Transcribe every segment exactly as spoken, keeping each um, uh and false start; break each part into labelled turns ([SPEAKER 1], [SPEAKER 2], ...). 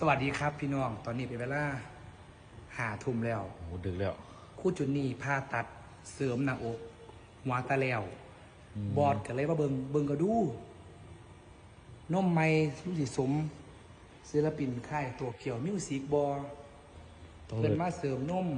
[SPEAKER 1] วัสดีครับพี่น้องตอนนี้เป็นเวลาหาทุ่มแล้ว
[SPEAKER 2] โอ้ดึกแล้ว
[SPEAKER 1] คู่จุนนี่ผ่าตัดเสริมหน้าอกหัวตาแล้วบอดกันเลยว่าเบิงเบิงก็ดูน้มไม่รู้สิสมศิลปินค่ายตัวเกี่ยวมิวสิกบอเพิ่นมาเสริมนม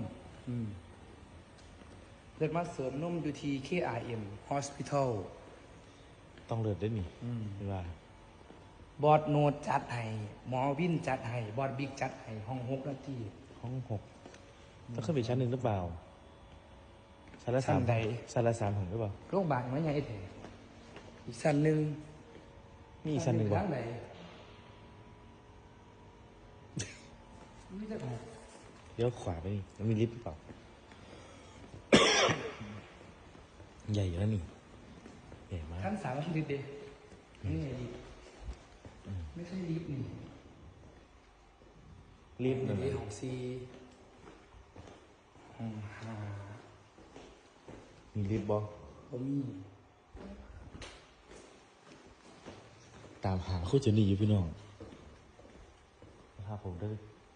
[SPEAKER 1] เพิ่นมาเสริมนมอยู่ที่ เค อาร์ เอ็ม Hospital
[SPEAKER 2] ต้องเลือดได้นี่ไม่ว่า
[SPEAKER 1] บอดโนดจัดให้หมอวินจัดให้บอดบิ๊กจัดให้ห้องหกนาที
[SPEAKER 2] ห้องหกต้องขึ้นไปชั้นหนึ่งหรือเปล่าชั้นละสาม
[SPEAKER 1] ใด
[SPEAKER 2] ชั้นละสามถึงหรือเปล่า
[SPEAKER 1] โรงพยาบาลมันยังไงเถอะอีกชั้นหนึ่ง
[SPEAKER 2] มีอีกชั้นหนึ่งบ้าง
[SPEAKER 1] ไหน
[SPEAKER 2] เลี้ยวขวาไปนี่มันมีลิฟต์หรือเปล่า ใหญ่อยู่แล้วนี่ใหญ่มาก
[SPEAKER 1] ชั้นสามไม่ใช่ลิฟต์เด็นี่ไงลิฟต์ไม่ใช่ลิฟต์นี่
[SPEAKER 2] ลิฟต์หนึ่ง
[SPEAKER 1] ของซีห้องห้า
[SPEAKER 2] มีลิฟต์บ่
[SPEAKER 1] ผมมี
[SPEAKER 2] ตามหาคู่เจนี่อยู่พี่น้องนะครับผมได้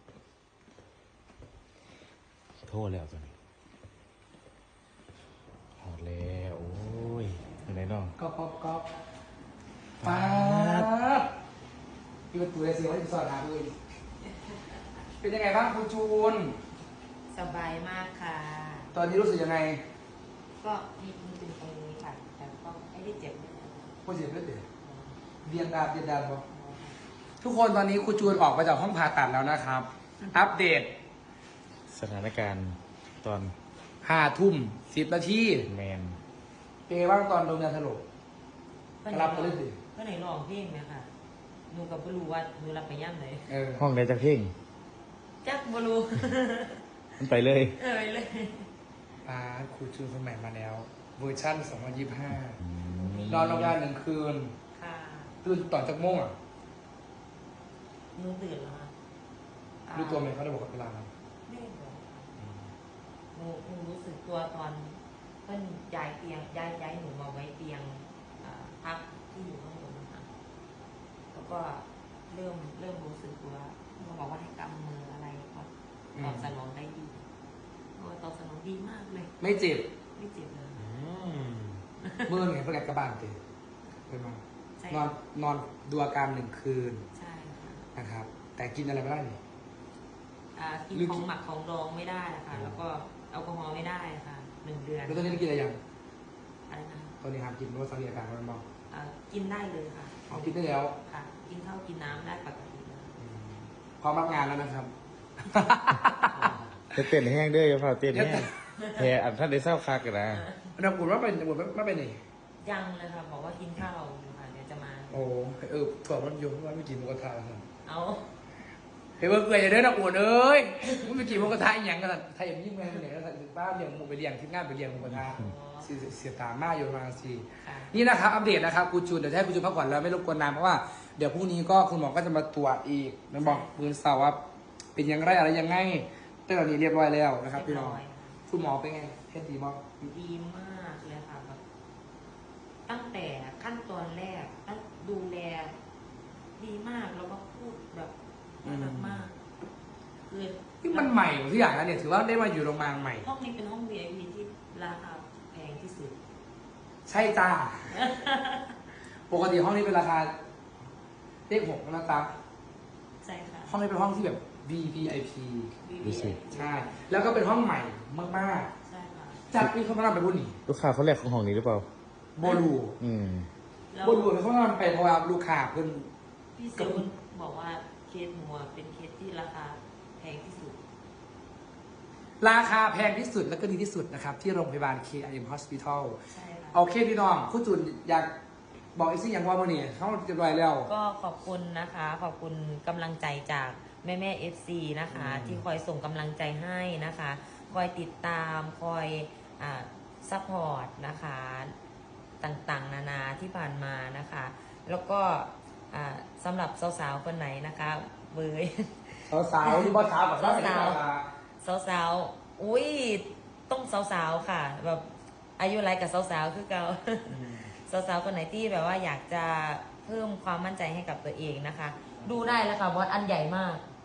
[SPEAKER 2] โทษแล้วตอนนี้หอดแล้วโอ้ยอยู่ไหนน้อง
[SPEAKER 1] ก๊อกก๊อกก๊อกป๊าดพี่ประตูเลยสิว่าจะสอนหาเลยเป็นยังไงบ้างคุณจูน
[SPEAKER 3] สบายมากค่ะ
[SPEAKER 1] ตอนนี้รู้สึกยังไง
[SPEAKER 3] ก็มีมีตึงตรงนี้ค่ะแต่ก็ไม่ได้เจ็บไม่ได้
[SPEAKER 1] ไม่เจ็บไม่เจ็บเบียงดาบเบียงดาบบ่ทุกคนตอนนี้คุณจูนออกมาจากห้องผ่าตัดแล้วนะครับ อัปเดต
[SPEAKER 2] สถานการณ์ตอน
[SPEAKER 1] ห้าทุ่มสิบนาที
[SPEAKER 2] แมน
[SPEAKER 1] เป็นไงบ้างตอนโดนยาสลบรับไปเลยสิ
[SPEAKER 3] ก็ไหนลองเพลงไหมค่ะหนูกับไม่รู้ว่าหนูรับไปย่ำไหน
[SPEAKER 2] ห้องไหนจะเพ่ง
[SPEAKER 3] จักบลู
[SPEAKER 2] มันไปเลย
[SPEAKER 3] เออเลย
[SPEAKER 1] อ่าครูจูนคนใหม่มาแล้วเวอร์ชั่นสองพันยี่สิบห้านอนโรงพยาบาลหนึ่งคืน
[SPEAKER 3] ค่ะ
[SPEAKER 1] ตื่นต่อจากโมงอ่ะ
[SPEAKER 3] หนูตื่นแล้วค่ะ
[SPEAKER 1] รู้ตัวไหมเขาได้บอกเวลาไหม
[SPEAKER 3] ไม่บอกหนูหนูรู้สึกตัวตอนเพิ่นย้ายเตียงย้ายย้ายหนูมาไว้เตียงพักที่อยู่ข้างบนนะคะแล้วก็เริ่มเริ่มรู้สึกตัวเขาบอกว่าให้กำมืออะไรก็ตอบสนองได้ดีตอบสนองดีมากเลย
[SPEAKER 1] ไม่เจ็บ
[SPEAKER 3] ไม่เจ็บเลย
[SPEAKER 1] เมื่อไงเพื่อนกระบาลเตะเป็นมานอนนอนดูอาการหนึ่งคืน
[SPEAKER 3] ใช่ค่ะ
[SPEAKER 1] นะครับแต่กินอะไรไม่ได้นี่
[SPEAKER 3] กินของหมักของดองไม่ได้นะคะแล้วก็แอลกอฮอล์ไม่ได้ค่ะหนึ่งเดือน
[SPEAKER 1] แล้วตอนนี้กินอะไรยัง
[SPEAKER 3] อะไรนะ
[SPEAKER 1] ตอนนี้ครับกินเพราะว่าตอนนี้อาการมันบอก
[SPEAKER 3] กินได้เลยค่ะ
[SPEAKER 1] อ๋อกินได้แล้ว
[SPEAKER 3] ค่ะกินข้าวกินน้ำได้ปกติเลย
[SPEAKER 1] พร้อมรับงานแล้วนะครับ
[SPEAKER 2] จะเต้นแห้งด้วยอย่าพาเต้นแห้งแห่อันท่านได้เศร้าคักกันนะ
[SPEAKER 1] เราบุญว่าเป็นบุญว่าเป็นนี่
[SPEAKER 3] ยังเลยค่ะบอกว่ากินข้าวอยู่ค่ะเดี๋ยวจะมา
[SPEAKER 1] โอ้เออถั่วมันโยมว่าไม่กินหมูกระทะครับ
[SPEAKER 3] เอา
[SPEAKER 1] เฮ้ยเพื่อนอย่าเดินนะอวดเอ้ยมึงไปกินหมูกระทะอย่างกันไทยอย่างยิ่งแม่เลยนะป้าเลี้ยงหมูไปเลี้ยงที่งานไปเลี้ยงหมูกระทะเสียตามาอยู่มาสินี่นะครับอัปเดตนะครับคุณจูนเดี๋ยวให้คุณจูนพักผ่อนแล้วไม่รบกวนนานเพราะว่าเดี๋ยวพรุ่งนี้ก็คุณหมอก็จะมาตรวจอีกมันบอกมือเสาร์ว่าเป็นยังไงอะไรยังไงแต่ตอนนี้เรียบร้อยแล้วนะครับพี่น้องคุณหมอเป็นไงเทสดีมาก
[SPEAKER 3] ดีมากเลยค่ะแบบตั้งแต่ขั้นตอนแรกตั้งดูแลดีมากแล้วก็พูดแบบน่ารักมากคือ
[SPEAKER 1] ที่มันใหม่ทุกอย่างนะเนี่ยถือว่าได้มาอยู่โรงพยาบาลใหม่
[SPEAKER 3] ห้องนี้เป็นห้อง วี ไอ พี ที่ราคาแพงที่สุด
[SPEAKER 1] ใช่จ้าปกติห้องนี้เป็นราคาเลขหกนะจ๊ะ
[SPEAKER 3] ใช่ค่ะ
[SPEAKER 1] ห้องนี้เป็นห้องที่แบบ วี พี ไอ พี ใช่แล้วก็เป็นห้องใหม่มาก
[SPEAKER 3] ๆใช่ค่ะ
[SPEAKER 1] จัดมีเขามาทำไปบุญนี่
[SPEAKER 2] ลูกค้าเขาแรกของห้องนี้หรือเปล่า
[SPEAKER 1] โบลู
[SPEAKER 2] อืม
[SPEAKER 1] โบลูเขาทำไปเพราะว่าลูกค้าเพิ่น
[SPEAKER 3] พี่เซลบอกว่าเคสหัวเป็นเคสที่ราคาแพงที่สุด
[SPEAKER 1] ราคาแพงที่สุดและก็ดีที่สุดนะครับที่โรงพยาบาล เค อาร์ เอ็ม Hospital
[SPEAKER 3] ใช่ค่ะ
[SPEAKER 1] โอเคพี่น้องคุณจุนอยากบอกอีกสิ่งอย่างว่าเมื่อนี้เขาจะรวยแล้ว
[SPEAKER 3] ก็ขอบคุณนะคะขอบคุณกำลังใจจากแม่แม่เอฟซีนะคะที่คอยส่งกำลังใจให้นะคะคอยติดตามคอยอ่าซัพพอร์ตนะคะต่างๆนานาที่ผ่านมานะคะแล้วก็สำหรับสาวๆคนไหนนะคะเบย
[SPEAKER 1] สาวๆที่บ้านสาวแบบ
[SPEAKER 3] สาวๆสาวๆอุ้ยต้องสาวๆค่ะแบบอายุไรกับสาวๆคือเก่าสาวๆคนไหนที่แบบว่าอยากจะเพิ่มความมั่นใจให้กับตัวเองนะคะดูได้แล้วค่ะบอสอันใหญ่มาก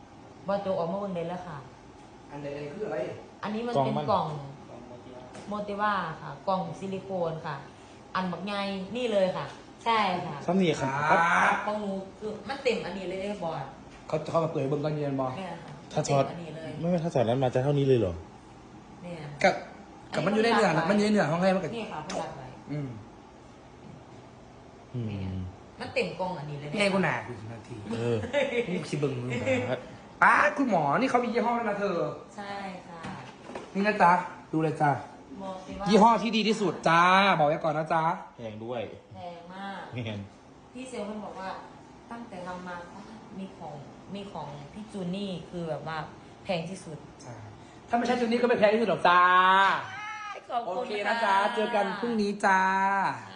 [SPEAKER 3] บอโจออกมาเบิ่งได้แล้วค่ะ
[SPEAKER 1] อันใดๆคืออะไร
[SPEAKER 3] อันนี้มัน
[SPEAKER 2] กล่อง
[SPEAKER 3] เป็น
[SPEAKER 2] มัน
[SPEAKER 3] กล่องโมเตว่าค่ะ กล่องซิลิโคนค่ะ อันบักไงนี่เลยค่ะ ใช่ค่ะ
[SPEAKER 2] ซ้ำนี่ครับ
[SPEAKER 3] ของหนูคือมันเต็มอันนี้เลยได้บอด
[SPEAKER 1] เขาเขามาเปิดให้เบิ่งตอนเย็นบอก
[SPEAKER 3] เนี่ยค่ะ
[SPEAKER 2] ถ้าช็อต
[SPEAKER 3] เต็มอันนี้เลย
[SPEAKER 2] ไม่ไม่ถ้าช็อตนั้นมาจะเท่านี้เลยเหรอ
[SPEAKER 3] เนี่ย
[SPEAKER 1] กับกับมันอยู่ในเนื้อนะมันอยู่ในเนื้อของใครมันก็
[SPEAKER 3] นี่ค่ะเพื่อนไว้
[SPEAKER 1] อืม
[SPEAKER 2] อืม
[SPEAKER 3] มันเต็มกล่องอันนี้เลย
[SPEAKER 1] พี่ไงกูหนาคุณนาที
[SPEAKER 2] เออ
[SPEAKER 1] นี่คิดเบิ่งมึงป้าคุณหมอนี่เขามียี่ห้อแล้วนะเธอ
[SPEAKER 3] ใช่ค่ะ
[SPEAKER 1] นี่นะจ๊ะดูเลยจ้า
[SPEAKER 3] โมเตว่า
[SPEAKER 1] ยี่ห้อที่ดีที่สุดจ้าบอกไว้ก่อนนะจ๊ะ
[SPEAKER 2] แพงด้วย
[SPEAKER 3] แพงมาก
[SPEAKER 2] แพง
[SPEAKER 3] พี่เซลล์มันบอกว่าตั้งแต่ทำมามีของมีของพี่จูนี่คือแบบว่าแพงที่สุด
[SPEAKER 1] จ้าถ้าไม่ใช่ชุดนี้ก็ไม่แพ้ที่สุดหรอกจ้า
[SPEAKER 3] ขอบ
[SPEAKER 1] โอ
[SPEAKER 3] คุณ
[SPEAKER 1] เคนะจ๊ะเจอกันพรุ่งนี้จ้า
[SPEAKER 3] ค่ะ